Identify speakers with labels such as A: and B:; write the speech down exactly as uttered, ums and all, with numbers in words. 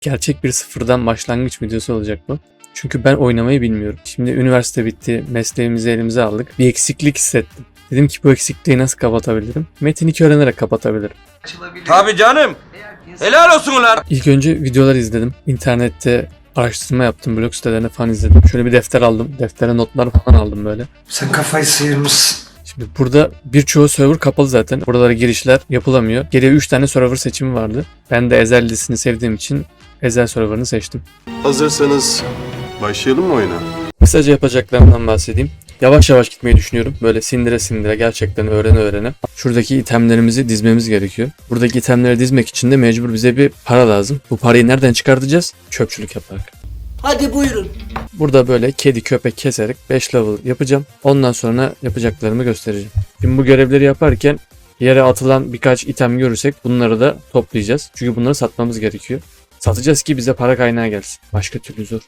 A: Gerçek bir sıfırdan başlangıç videosu olacak bu. Çünkü ben oynamayı bilmiyorum. Şimdi üniversite bitti, mesleğimizi elimize aldık. Bir eksiklik hissettim. Dedim ki bu eksikliği nasıl kapatabilirim? Metin iki öğrenerek kapatabilirim.
B: Tabii canım. Helal olsun ulan.
A: İlk önce videolar izledim. İnternette araştırma yaptım, blog sitelerine falan izledim. Şöyle bir defter aldım. Deftere notlar falan aldım böyle.
C: Sen kafayı sıyırmışsın.
A: Şimdi burada birçoğu server kapalı zaten. Buralara girişler yapılamıyor. Geriye üç tane server seçimi vardı. Ben de Ezel dizisini sevdiğim için Ezel serverını seçtim.
D: Hazırsanız başlayalım mı oyuna?
A: Kısaca yapacaklarımdan bahsedeyim. Yavaş yavaş gitmeyi düşünüyorum. Böyle sindire sindire gerçekten öğrene öğrene. Şuradaki itemlerimizi dizmemiz gerekiyor. Buradaki itemleri dizmek için de mecbur bize bir para lazım. Bu parayı nereden çıkartacağız? Çöpçülük yaparak.
E: Hadi buyurun.
A: Burada böyle kedi köpek keserek beş level yapacağım. Ondan sonra yapacaklarımı göstereceğim. Şimdi bu görevleri yaparken yere atılan birkaç item görürsek bunları da toplayacağız. Çünkü bunları satmamız gerekiyor. Satacağız ki bize para kaynağı gelsin. Başka türlü zor.